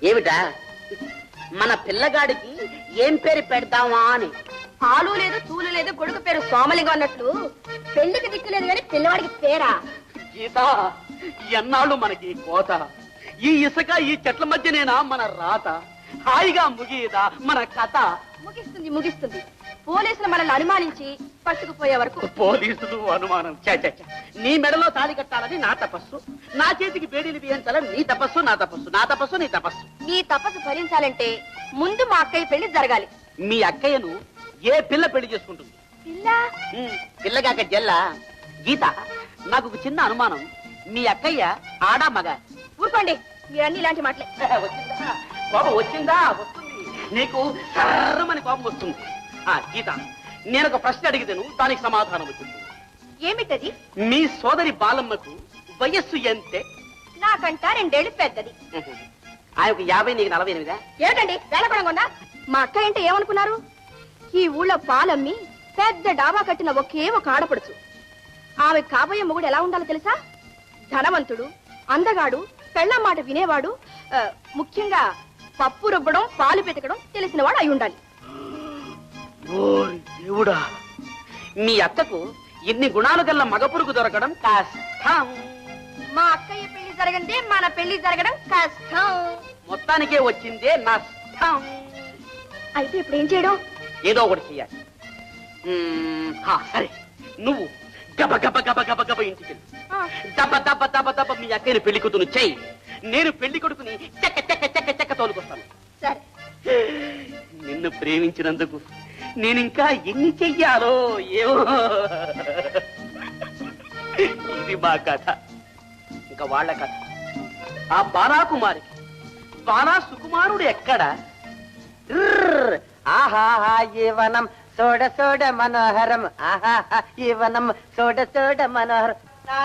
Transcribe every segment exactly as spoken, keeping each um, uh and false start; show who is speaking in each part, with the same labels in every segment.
Speaker 1: ఏమిటా? మన పిల్లగాడికి ఏం పేరు పెడతావా అని.
Speaker 2: పాలు లేదు తూలు లేదు, కొడుకు పేరు సోమలింగం అన్నట్లు పెళ్లికి దిక్కు లేదు కానీ పిల్లవాడికి పేరా?
Speaker 1: గీత, ఎన్నాళ్ళు మనకి కోత? ఈ ఇసుక ఈ చెట్ల మధ్యనేనా మన రాత? హాయిగా ముగియదా మన కథ?
Speaker 2: ముగిస్తుంది ముగిస్తుంది. పోలీసులు మనల్ని అనుమానించి పట్టుకుపోయే వరకు.
Speaker 1: పోలీసులు అనుమానం? నీ మెడలో తాళి కట్టాలని నా తపస్సు, నా చేతికి బేడీలు బియ్యించాలని నీ తపస్సు, నా తపస్సు నా తపస్సు నీ తపస్సు.
Speaker 2: నీ తపస్సు ఫలించాలంటే ముందు మా అక్కయ్య పెళ్లి జరగాలి.
Speaker 1: మీ అక్కయ్యను ఏ పిల్ల పెళ్లి చేసుకుంటుంది?
Speaker 2: పిల్ల
Speaker 1: పిల్లగాక జల్లా. గీత, నాకు ఒక చిన్న అనుమానం. మీ అక్కయ్య ఆడా మగ?
Speaker 2: ఊరుకోండి, మీరన్నీ ఇలాంటి మాటలే.
Speaker 1: వచ్చిందా కోపం? వచ్చిందా? వస్తుంది. నీకు సర్రమని కోపం వస్తుంది. ఆ గీత, నేను ఒక ప్రశ్న అడిగితేను దానికి సమాధానం వచ్చింది.
Speaker 2: ఏమిటది?
Speaker 1: మీ సోదరి బాలమ్మకు వయస్సు ఎంతే?
Speaker 2: నాకంట రెండేళ్లు పెద్దది.
Speaker 1: ఆయనకు యాభై, నీకు నలభై ఎనిమిదా?
Speaker 2: ఏమిటండి వేళకొడంగా? మా అక్క అంటే ఏమనుకున్నారు? ఈ ఊళ్ళో పాలమ్మి పెద్ద డాబా కట్టిన ఒకే ఒక ఆడపడుచు. ఆమె కాబోయే మొగుడు ఎలా ఉండాలో తెలుసా? ధనవంతుడు, అందగాడు, పెళ్ళం మాట వినేవాడు, ముఖ్యంగా పప్పు రుబ్బడం పాలు పెతకడం తెలిసినవాడు అయి ఉండాలి.
Speaker 1: దేవుడా, మీ అక్కకు ఇన్ని గుణాలు గల్ల మగపురుగు దొరకడం కష్టం.
Speaker 2: మా అక్కయ్య పెళ్లి జరగండి, మన పెళ్లి జరగడం కష్టం.
Speaker 1: మొత్తానికే వచ్చిందే నష్టం.
Speaker 2: అయితే ఇప్పుడు ఏం చేయడం?
Speaker 1: ఏదో ఒకటి చెయ్యాలి. సరే, నువ్వు గబ గబ గబ గబ గబ ఇంటికి దబ దబ దబ దబ మీ అక్కని పెళ్లి కూతురు చెయ్యి. నేను పెళ్లి కొడుకుని చెక్క చెక్క చెక్క చెక్క తోలుకొస్తాను.
Speaker 2: సరే.
Speaker 1: నిన్ను ప్రేమించినందుకు నేనింకా ఎన్ని చెయ్యాలో ఏమో. ఇది మా కథ. ఇంకా వాళ్ళ కథ. ఆ బాలాకుమారి బాలా సుకుమారుడు ఎక్కడ?
Speaker 3: ఆహాహా ఈవనం సోడ సోడ మనోహరం, ఆహాహా ఈవనం సోడ సోడ మనోహరం.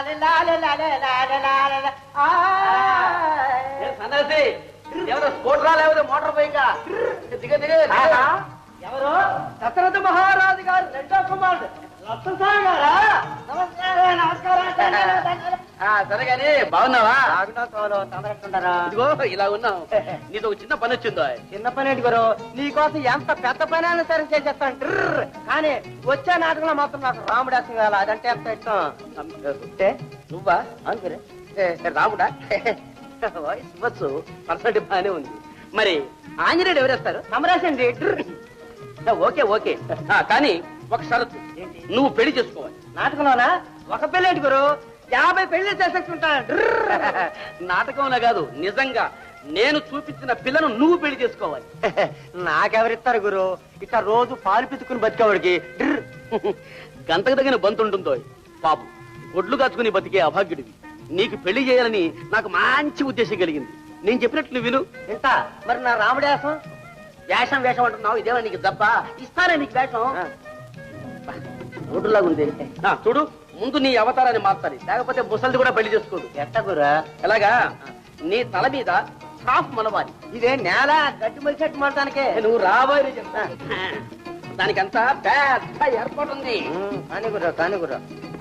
Speaker 1: సన్నసి ఎవరో స్కూటరా లేకపోతే మోటార్ బైకా? దిగ దిగ.
Speaker 3: ఎవరు? దశరథ మహారాజు గారు రెండో కుమారుడు లక్ష్మణస్వామి గారా? నమస్కారం నమస్కారం.
Speaker 1: సరే గాని బాగున్నావా?
Speaker 3: తొందరగా
Speaker 1: ఇదిగో ఇలా ఉన్నావు. నీతో ఒక చిన్న పని వచ్చిందో.
Speaker 3: చిన్న పని ఏంటి గురు? నీకోసం ఎంత పెద్ద పని అయినా సరే చేసేస్తాను. కానీ వచ్చే నాటకంలో మాత్రం నాకు రాముడాసం కావాలి. అదంటే ఎంత ఇష్టం.
Speaker 1: నువ్వా?
Speaker 3: అనుకురే
Speaker 1: రాముడా? ఇవ్వచ్చు, పర్సెంట్ బాగానే ఉంది. మరి ఆంజనేయుడు ఎవరేస్తారు?
Speaker 3: సమరాసండి.
Speaker 1: ఓకే ఓకే, కానీ ఒక షరతు. నువ్వు పెళ్లి చేసుకోవాలి.
Speaker 3: నాటకంలోనా? ఒక పెళ్లి ఏంటి గురు? యాభై పెళ్లి చేసేసుకుంటాను.
Speaker 1: నాటకంలో కాదు, నిజంగా నేను చూపించిన పిల్లను నువ్వు పెళ్లి చేసుకోవాలి.
Speaker 3: నాకెవరిస్తారు గురు? ఇట్లా రోజు పాలు పితుకుని బతికేవాడికి
Speaker 1: గంటకు తగిన బంతుంటుందో. పాపు గొడ్లు కాచుకుని బతికే అభాగ్యుడివి. నీకు పెళ్లి చేయాలని నాకు మంచి ఉద్దేశం కలిగింది. నేను చెప్పినట్లు విను.
Speaker 3: ఇంత మరి నా రాముడేసం?
Speaker 1: వేషం వేషం అంటున్నావు, ఇదేమో నీకు దప్ప? ఇస్తానే నీకు వేషం. రోడ్డులాగా ఉంది. చూడు, ముందు నీ అవతారాన్ని మార్చాలి, లేకపోతే ముసలిది కూడా పెళ్లి చేసుకోదు.
Speaker 3: ఎట్ట గురా?
Speaker 1: ఎలాగా? నీ తల మీద సాఫ్ మనవాలి.
Speaker 3: ఇదే నేల గడ్డి మలిచెట్టు మలటానికే.
Speaker 1: నువ్వు రాబోయే చెప్తా. దానికంతా పెద్ద ఏర్పాటు ఉంది.
Speaker 3: కాని గురా కాని గురా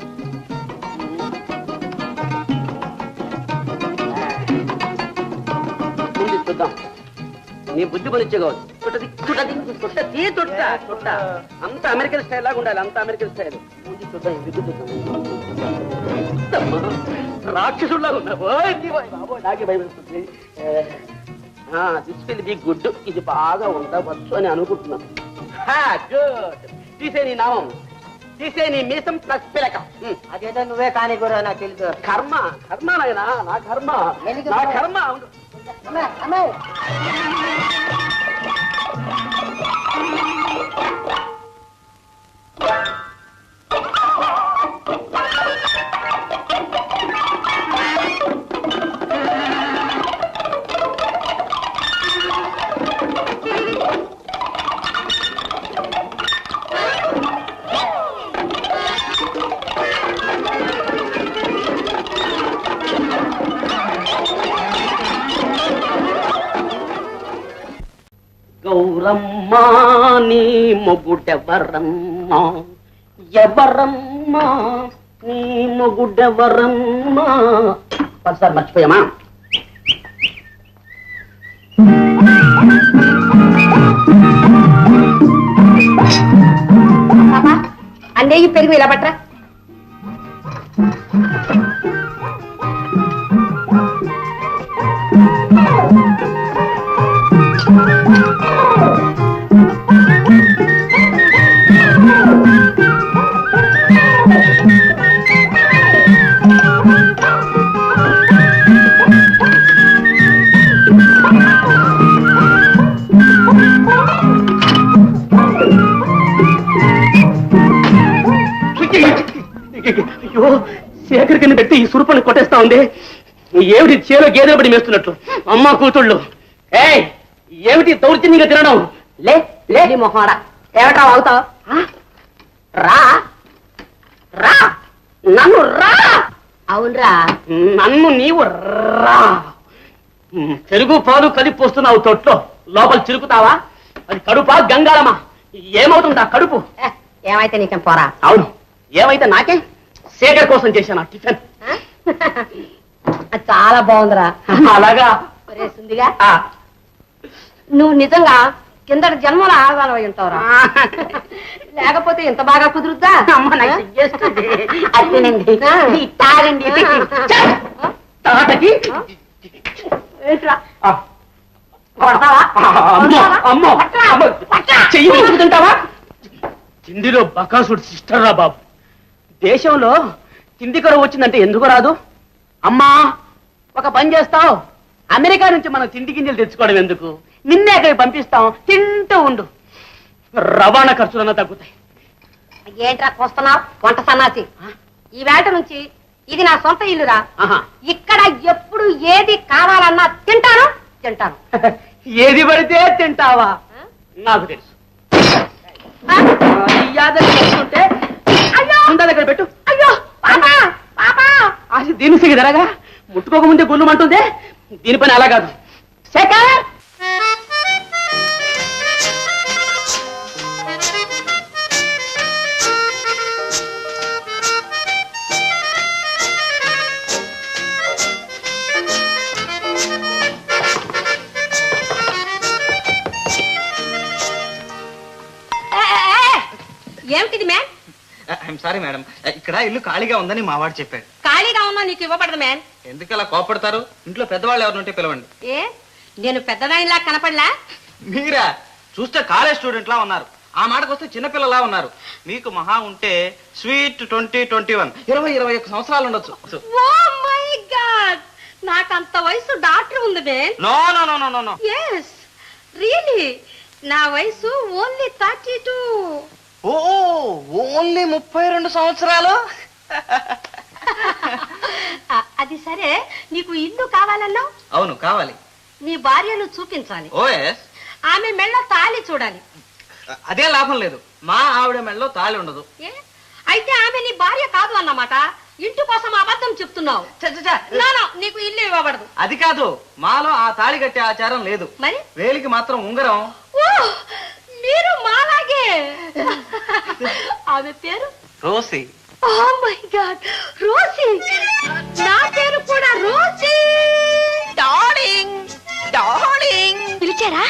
Speaker 1: చూద్దాం. నీ బుద్ధి పనిచ్చే కావచ్చు. చుట్టది చుట్టది చుట్టది చుట్ట చుట్ట అంత అమెరికన్ స్టైల్ లాగా ఉండాలి. అంత అమెరికన్ స్టైల్. బుద్ధి చూద్దాం, బుద్ధి చూద్దాం. రాక్షసుడిలాగా ఉన్నావు. నాకే భయపడుతుంది. This will be good. ఇది బాగా ఉండవచ్చు అని అనుకుంటున్నాను. గుడ్. తీసే నీ నామం, తీసే నీ మీసం ప్లస్ పిలక.
Speaker 3: అదేదో నువ్వే కాని గురా, నాకు తెలుసు.
Speaker 1: కర్మ కర్మ నాయనా, నా కర్మ నా కర్మ. గౌరమ్మా నీ మొగుడెవరమ్మా? ఎవరమ్మా నీ మొగుడెవరమ్మా? ఒకసారి మర్చిపోయామా?
Speaker 2: ఇలా పట్రా.
Speaker 1: అయ్యో, శేఖర్ కింద పెట్టి ఈ సురుపని కొట్టేస్తా ఉంది. ఏమిటి చేలో గేదెలు పడి మేస్తున్నట్టు? అమ్మ కూతుళ్ళు, ఏయ్ ఏమిటి దౌర్జన్యంగా తినడం? లే లే
Speaker 2: మొహాడా ఏమిటా అవుతావు?
Speaker 1: రా రా, నన్ను రా.
Speaker 2: అవునరా,
Speaker 1: నన్ను నీవు రా. పెరుగు పాలు కలిపి పోస్తున్నావు తొట్లో, లోపల చిరుకుతావా? అది కడుపా గంగాళమా? ఏమవుతుందా కడుపు?
Speaker 2: ఏమైతే నీకేం పోరా.
Speaker 1: అవును, ఏమైతే నాకే. శేఖర్ కోసం చేశాను టిఫిన్.
Speaker 2: చాలా బాగుందిరా.
Speaker 1: అలాగా
Speaker 2: సుందిగా, నువ్వు నిజంగా కిందటి జన్మలో ఆడవాళ్ళ అయి ఉంటావురా. లేకపోతే ఇంత బాగా కుదురుద్దా?
Speaker 1: అదేనండి, తాగండి. తాతకి అమ్మో చెయ్యి తింటావా? తిండిలో బకాసుడు సిస్టర్ రా బాబు. దేశంలో తిండి కరువు వచ్చిందంటే ఎందుకు రాదు? అమ్మా ఒక పని చేస్తావు, అమెరికా నుంచి మనం తిండి గింజలు తెచ్చుకోవడం ఎందుకు? నిన్నే అక్కడికి పంపిస్తాం, తింటూ ఉండు. రవాణా ఖర్చులన్నా తగ్గుతాయి.
Speaker 2: ఏంట్రా కోస్తున్నావు వంట సన్నాసి? ఈ వేట నుంచి ఇది నా సొంత ఇల్లురా. ఇక్కడ ఎప్పుడు ఏది కావాలన్నా తింటాను తింటాను.
Speaker 1: ఏది పడితే తింటావా? నాకు తెలుసు. చేస్తుంటే ఉందా దగ్గర పెట్టు.
Speaker 2: అయ్యో పాపా పాపా,
Speaker 1: అది దీని సిగదరగా ముట్టుకోకముందే గుళ్ళుమంటుందే. దీని పని అలా కాదు. శేఖర్,
Speaker 2: ఏమిటిది మ్యాన్?
Speaker 3: ఐఎమ్ సారీ మేడం, ఇక్కడ ఇల్లు ఖాళీగా ఉందని మా వాడు చెప్పాడు.
Speaker 2: ఖాళీగా ఉన్నా నీకు ఇవ్వబడదు మ్యాన్.
Speaker 3: ఎందుకు అలా కోపడతారు? ఇంట్లో పెద్దవాళ్ళు ఎవరు ఉంటే పిలవండి.
Speaker 2: ఏ నేను పెద్దదానిలా కనపడలా?
Speaker 3: మీరా? చూస్తే కాలేజ్ స్టూడెంట్ లా ఉన్నారు. ఆ మాటకు వస్తే చిన్నపిల్లలా ఉన్నారు. మీకు మహా ఉంటే స్వీట్ ట్వంటీ ట్వంటీ వన్ ఇరవై ఇరవై ఒక్క సంవత్సరాలు ఉండొచ్చు.
Speaker 2: ఓ మై గాడ్, నాకంత వయసు డాక్టర్ ఉంది man.
Speaker 3: No no no no no.
Speaker 2: yes really, నా వయసు ఓన్లీ థర్టీ టూ.
Speaker 3: ఓ ఓన్లీ ముప్పై రెండు సంవత్సరాలు.
Speaker 2: అది సరే, నీకు ఇల్లు కావాలన్నా?
Speaker 3: అవును కావాలి.
Speaker 2: నీ భార్యను చూపించాలి.
Speaker 3: Oh yes.
Speaker 2: ఆమె మెళ్ళ తాళి చూడాలి.
Speaker 3: అదే లాభం లేదు, మా ఆవిడ మెళ్ళలో తాళి ఉండదు.
Speaker 2: ఏ అయితే ఆమె నీ భార్య కాదు అన్నమాట. ఇంటి కోసం అబద్ధం చెప్తున్నావు. నానా, నీకు ఇల్లు ఇవ్వబడదు.
Speaker 3: అది కాదు, మాలో ఆ తాళి కట్టే ఆచారం లేదు.
Speaker 2: మరి
Speaker 3: వేలికి మాత్రం ఉంగరం.
Speaker 2: ఓ మీరు మాలాగే. ఆమె పేరు
Speaker 3: రోసి.
Speaker 2: Oh my God, రోసి. నా పేరు కూడా రోసి. డార్లింగ్ డార్లింగ్ పిలిచారా?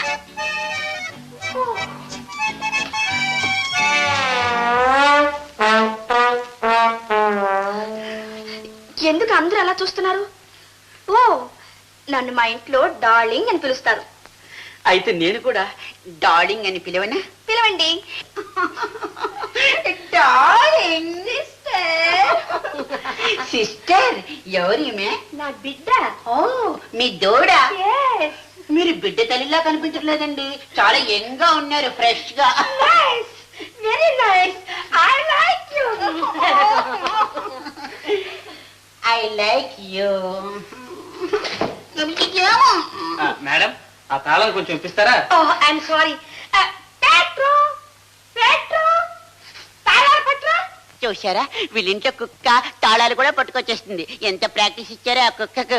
Speaker 2: ఎందుకు అందరూ అలా చూస్తున్నారు? ఓ నన్ను మా ఇంట్లో డార్లింగ్ అని పిలుస్తారు.
Speaker 1: అయితే నేను కూడా డార్లింగ్ అని పిలవనా?
Speaker 2: పిలవండి. Darling sister.
Speaker 1: సిస్టర్ ఎవరిమే?
Speaker 2: నా బిడ్డ.
Speaker 1: ఓ మీ దూడ.
Speaker 2: yes
Speaker 1: మీరు బిడ్డ తల్లిలా కనిపించట్లేదండి, చాలా యంగ్ గా ఉన్నారు, ఫ్రెష్ గా.
Speaker 2: nice very nice I like you.
Speaker 1: I like you.
Speaker 3: Madam, ఆ తాళం కొంచెం ఇప్పిస్తారా?
Speaker 2: oh I'm sorry. uh, Petro Petro తాళాలు పట్రా.
Speaker 4: చూసారా, వీళ్ళింట్లో కుక్క తాళాలు కూడా పట్టుకొచ్చేస్తుంది. ఎంత ప్రాక్టీస్ ఇచ్చారో ఆ కుక్కకు.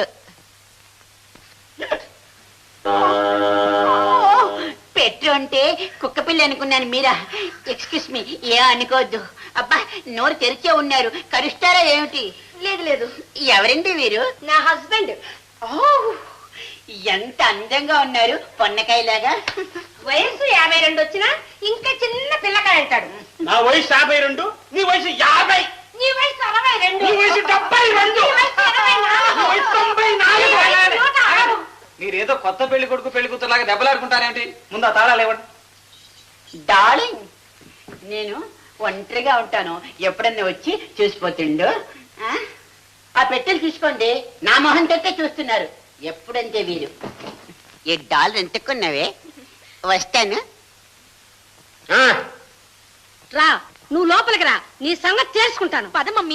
Speaker 4: పెట్టు అంటే కుక్క పిల్ల అనుకున్నాను. మీరా? ఎక్స్క్యూస్ మీ, ఏ అనుకోవద్దు. అబ్బా, నోరు తెరిచే ఉన్నారు, కరుస్తారా ఏమిటి?
Speaker 2: లేదు లేదు.
Speaker 4: ఎవరండి వీరు?
Speaker 2: నా హస్బెండ్.
Speaker 4: ఓ ఎంత అందంగా ఉన్నారు, పొన్నకాయలాగా.
Speaker 2: వయసు యాభై రెండు వచ్చినా ఇంకా చిన్న పిల్లకాయ అంటాడు.
Speaker 3: నా వయసు యాభై రెండు, నీ వయసు యాభై.
Speaker 2: నీ వయసు అరవై రెండు.
Speaker 3: నీ వయసు డెబ్బై రెండు.
Speaker 2: నీ వయసు ఎనభై నాలుగు.
Speaker 3: నీ వయసు తొంభై నాలుగు.
Speaker 2: నీ వయసు నూట ఆరు.
Speaker 3: మీరేదో కొత్త పెళ్లి కొడుకు పెళ్లి కూతురులాగా దెబ్బలాడుకుంటారేంటి? ముందు ఆ తాళాలు ఇవ్వండి.
Speaker 4: డార్లింగ్, నేను ఒంటరిగా ఉంటాను, ఎప్పుడన్నా వచ్చి చూసిపోతుండు. ఆ? ఆ పెట్టెలు చూసుకోండి, నా మొహం తొట్టే చూస్తున్నారు. ఎప్పుడంటే వీరు ఈ డాలర్ ఎంతకున్నావే, వస్తాను.
Speaker 2: రా, నువ్వు లోపలికి రా, నీ సంగతి తెలుసుకుంటాను. పద మమ్మీ.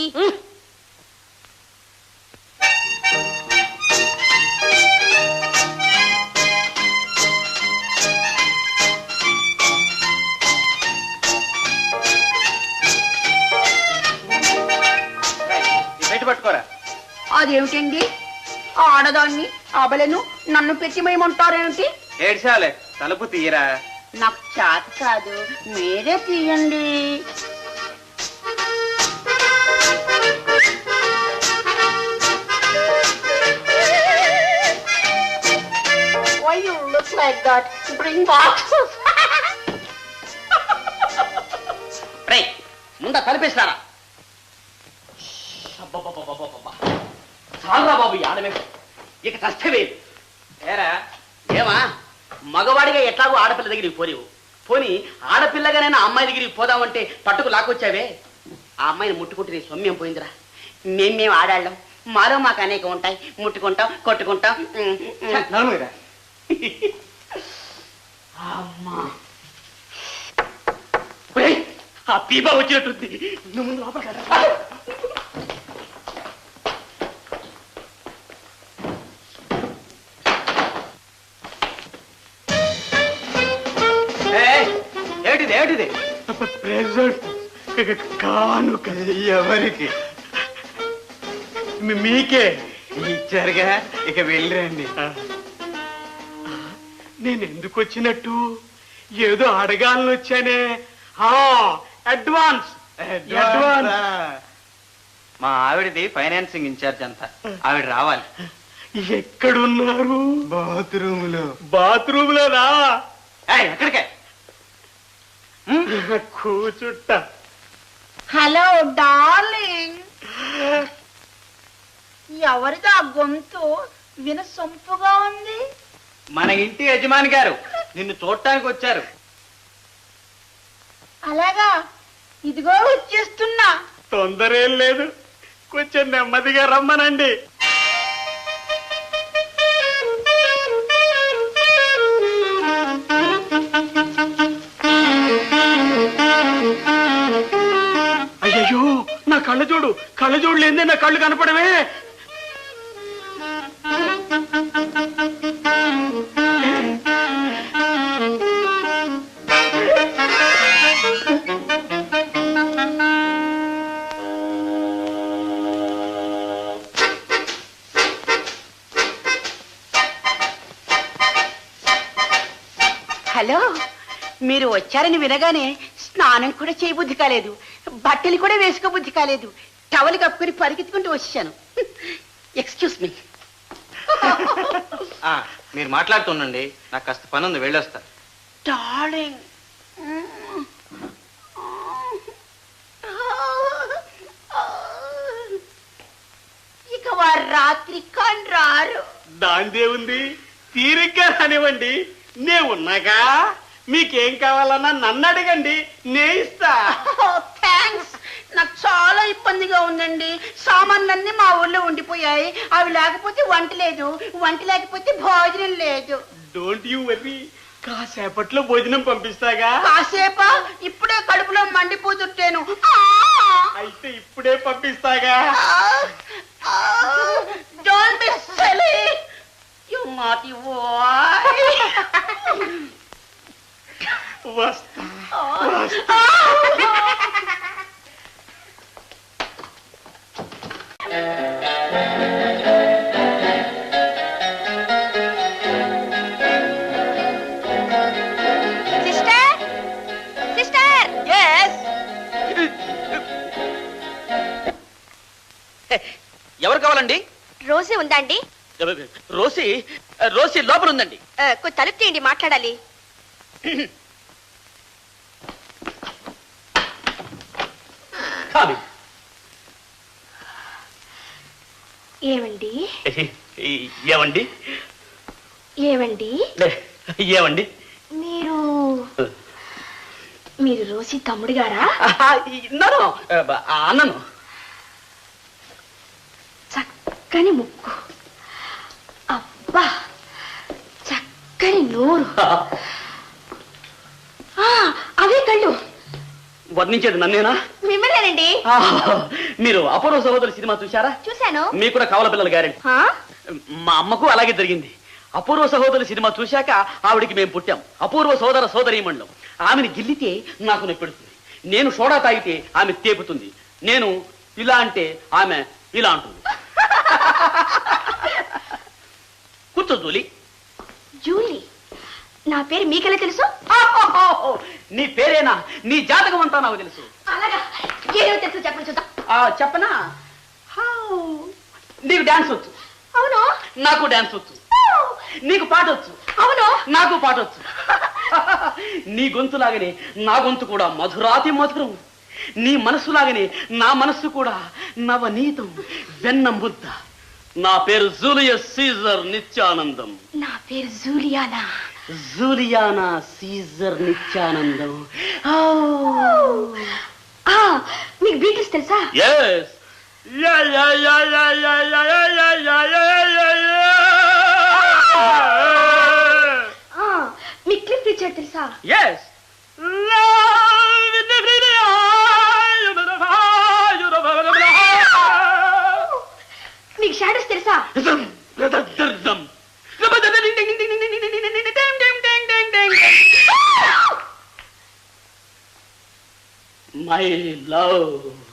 Speaker 3: బయట పట్టుకోరా.
Speaker 4: అదేమిటండి, ఆడదాన్ని అబలను నన్ను పెట్టిమేయమంటారేమిటి?
Speaker 3: ఏడ్చాలే, తలుపు తీయరా.
Speaker 4: నాకు చేత కాదు, మీరే తీయండి. Why you look like that? Bring boxes.
Speaker 1: రే ముందా తలిపేసినారా? చాలరా బాబు ఈ ఆడమే, ఇక కష్టమే. ఏరా ఏమా, మగవాడిగా ఎట్లాగో ఆడపిల్ల దగ్గరికి పోలేవు, పోని ఆడపిల్లగానైనా అమ్మాయి దగ్గరికి పోదామంటే పట్టుకు లాక్కొచ్చావే. ఆ అమ్మాయిని ముట్టుకుంటే నీ సొమ్యం పోయిందిరా.
Speaker 4: మేం మేము ఆడాళ్ళం, మాలో మాకు అనేక ఉంటాయి, ముట్టుకుంటాం, కొట్టుకుంటాం.
Speaker 3: నలుగురా.
Speaker 1: అమ్మా ఒరేయ్, ఆ పీపా వచ్చినట్టుంది. నువ్వు ముందు లోపలికి రా.
Speaker 3: ఏమిటిది ఏమిటిది? ప్రెజెంట్ కానుక. ఎవరికి? మీకే ఇచ్చారుగా, ఇక వెళ్ళండి. నేను ఎందుకు వచ్చినట్టు? ఏదో అడగాలని వచ్చానే. Advance advance. మా ఆవిడది ఫైనాన్సింగ్ ఇన్ఛార్జ్ అంతా, ఆవిడ రావాలి. ఎక్కడున్నారు? బాత్రూమ్ లో. బాత్రూమ్ లోనా? ఎక్కడికే? కూచుట్ట.
Speaker 4: హలో డార్లింగ్, ఎవరిదా గొంతు వినసొంపుగా ఉంది?
Speaker 3: మన ఇంటి యజమాని గారు నిన్ను చూడటానికి వచ్చారు.
Speaker 4: అలాగా, ఇదిగో వచ్చేస్తున్నా.
Speaker 3: తొందర ఏం లేదు, కొంచెం నెమ్మదిగా రమ్మనండి. అయ్యో, నా కళ్ళజోడు కళ్ళజోడు లేదే నా కళ్ళు కనపడమే.
Speaker 4: హలో, మీరు వచ్చారని వినగానే స్నానం కూడా చేయబుద్ధి కాలేదు, బట్టలు కూడా వేసుకోబుద్ధి కాలేదు, టవల్ కప్పుకొని పరిగెత్తుకుంటూ వచ్చాను. Excuse me.
Speaker 3: మీరు మాట్లాడుతుండండి, నాకు కాస్త పని ఉంది, వెళ్ళొస్తా.
Speaker 4: డార్లింగ్, ఇక వారు రాత్రి కాని రారు.
Speaker 3: దాందే ఉంది, తీరిగ్గా రానివ్వండి, నే ఉన్నాగా. మీకేం కావాలన్నా నన్ను అడగండి, నే ఇస్తా.
Speaker 4: థ్యాంక్స్. నాకు చాలా ఇబ్బందిగా ఉందండి. సామాన్లన్నీ మా ఊర్లో ఉండిపోయాయి, అవి లేకపోతే వంట లేదు, వంట లేకపోతే భోజనం లేదు.
Speaker 3: డోంట్ యూ వర్రీ, కాసేపట్లో భోజనం పంపిస్తాగా.
Speaker 4: కాసేపా? ఇప్పుడే కడుపులో మండిపోతుంటేను.
Speaker 3: అయితే ఇప్పుడే పంపిస్తాగా.
Speaker 4: Don't be silly, you naughty boy.
Speaker 3: వస్తా.
Speaker 2: Sister, sister.
Speaker 1: ఎవరు కావాలండి?
Speaker 2: రోజే ఉందండి?
Speaker 1: రోసి రోసి లోపల ఉందండి.
Speaker 2: కొంచెం తలుపు తీయండి, మాట్లాడాలి. ఏమండి
Speaker 1: ఏమండి
Speaker 2: ఏమండి
Speaker 1: ఏమండి
Speaker 2: మీరు మీరు రోజీ తమ్ముడు గారా?
Speaker 1: ఇన్నాను అన్నను.
Speaker 2: చక్కని ముక్కు, అబ్బా చక్కని నోరు, అవే కళ్ళు.
Speaker 1: వర్ణించేది నన్నేనా?
Speaker 2: మిమ్మల్నేనండి.
Speaker 1: మీరు అపూర్వ సహోదరు సినిమా చూశారా?
Speaker 2: చూశాను.
Speaker 1: మీకు కూడా కవల పిల్లలు గ్యారెంటీ. మా అమ్మకు అలాగే జరిగింది. అపూర్వ సహోదరు సినిమా చూశాక ఆవిడికి మేము పుట్టాం. అపూర్వ సోదర సోదరీమణులం. ఆమెను గిల్లితే నాకు నొప్పెడుతుంది, నేను సోడా తాగితే ఆమె తేపుతుంది, నేను ఇలా అంటే ఆమె ఇలా అంటుంది. కూర్చో జూలీ.
Speaker 2: జూలీ? నా పేరు మీకెలా తెలుసు?
Speaker 1: నీ పేరేనా? నీ జాతకం అంతా నాకు తెలుసు.
Speaker 2: అలాగా? ఏదో తెలుసు చెప్పండి చూద్దాం.
Speaker 1: చెప్పనా? నీకు డాన్స్ వచ్చు.
Speaker 2: అవును.
Speaker 1: నాకు డాన్స్ వచ్చు. నీకు పాట వచ్చు.
Speaker 2: అవును. నాకు
Speaker 1: పాట వచ్చు. నీ గొంతులాగనే నా గొంతు కూడా మధురాతి మధురం. నీ మనస్సులాగనే నా మనస్సు కూడా నవనీతం, వెన్న ముద్ద. నా పేరు జూలియస్ సీజర్ నిత్యానందం.
Speaker 2: నా పేరు జూలియానా.
Speaker 1: జూలియానా సీజర్ నిత్యానందం.
Speaker 2: మీకు బీటిల్స్ తెలుసా?
Speaker 1: ఎస్.
Speaker 2: మీకు క్లిఫ్ రిచర్డ్ తెలుసా?
Speaker 1: ఎస్.
Speaker 2: మీకు షాడోస్ తెలుసా?
Speaker 1: My love.